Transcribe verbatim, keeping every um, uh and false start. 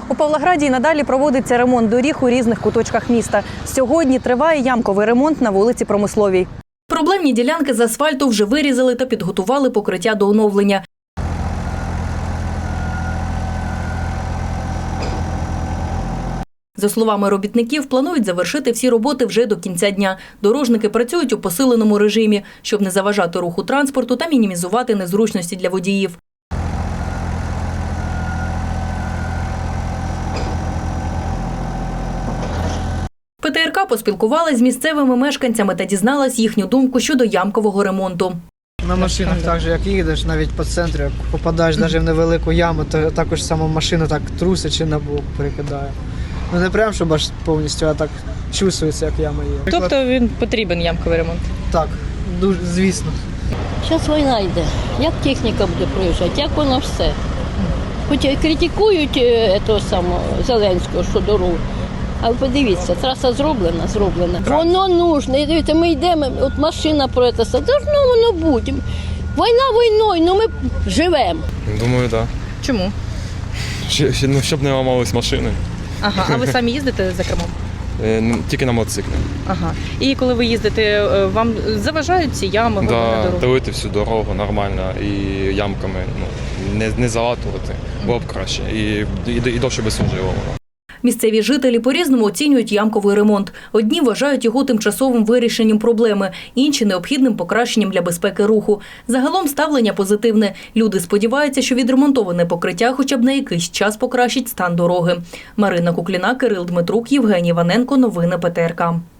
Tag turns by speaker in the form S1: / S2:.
S1: У Павлограді й надалі проводиться ремонт доріг у різних куточках міста. Сьогодні триває ямковий ремонт на вулиці Промисловій. Проблемні ділянки з асфальту вже вирізали та підготували покриття до оновлення. За словами робітників, планують завершити всі роботи вже до кінця дня. Дорожники працюють у посиленому режимі, щоб не заважати руху транспорту та мінімізувати незручності для водіїв. Пе Те Ер Ка поспілкувалась з місцевими мешканцями та дізналась їхню думку щодо ямкового ремонту.
S2: На машинах так же, як їдеш, навіть по центру, як попадаєш навіть в невелику яму, то також сама машина так трусить чи на бок перекидає. Ну не прям, щоб аж повністю, а так чувствується, як яма є.
S3: Тобто він потрібен ямковий ремонт?
S2: Так, дуже, звісно.
S4: Зараз війна йде. Як техніка буде проїжджати, як воно все. Хоч і критикують е, того самого Зеленського, що дорогу. Але подивіться, траса зроблена, зроблена. Воно нужно. І дивіться, ми йдемо, от машина про це, все. Должно воно бути. Війна війною, ну ми живемо.
S5: Думаю, так.
S3: Чому?
S5: Да. Ну, щоб не ламались машини.
S3: Ага, а ви самі їздите за кермом?
S5: Е, Тільки на мотоциклі.
S3: Ага. І коли ви їздите, вам заважають ці ями
S5: Да,
S3: на дорогу?
S5: Дивити всю дорогу нормально і ямками ну, не, не залатувати, було б краще. І, і, і довше би служило воно.
S1: Місцеві жителі по-різному оцінюють ямковий ремонт. Одні вважають його тимчасовим вирішенням проблеми, інші – необхідним покращенням для безпеки руху. Загалом ставлення позитивне. Люди сподіваються, що відремонтоване покриття хоча б на якийсь час покращить стан дороги. Марина Кукліна, Кирил Дмитрук, Євгеній Іваненко. Новини Пе Те Ер Ка.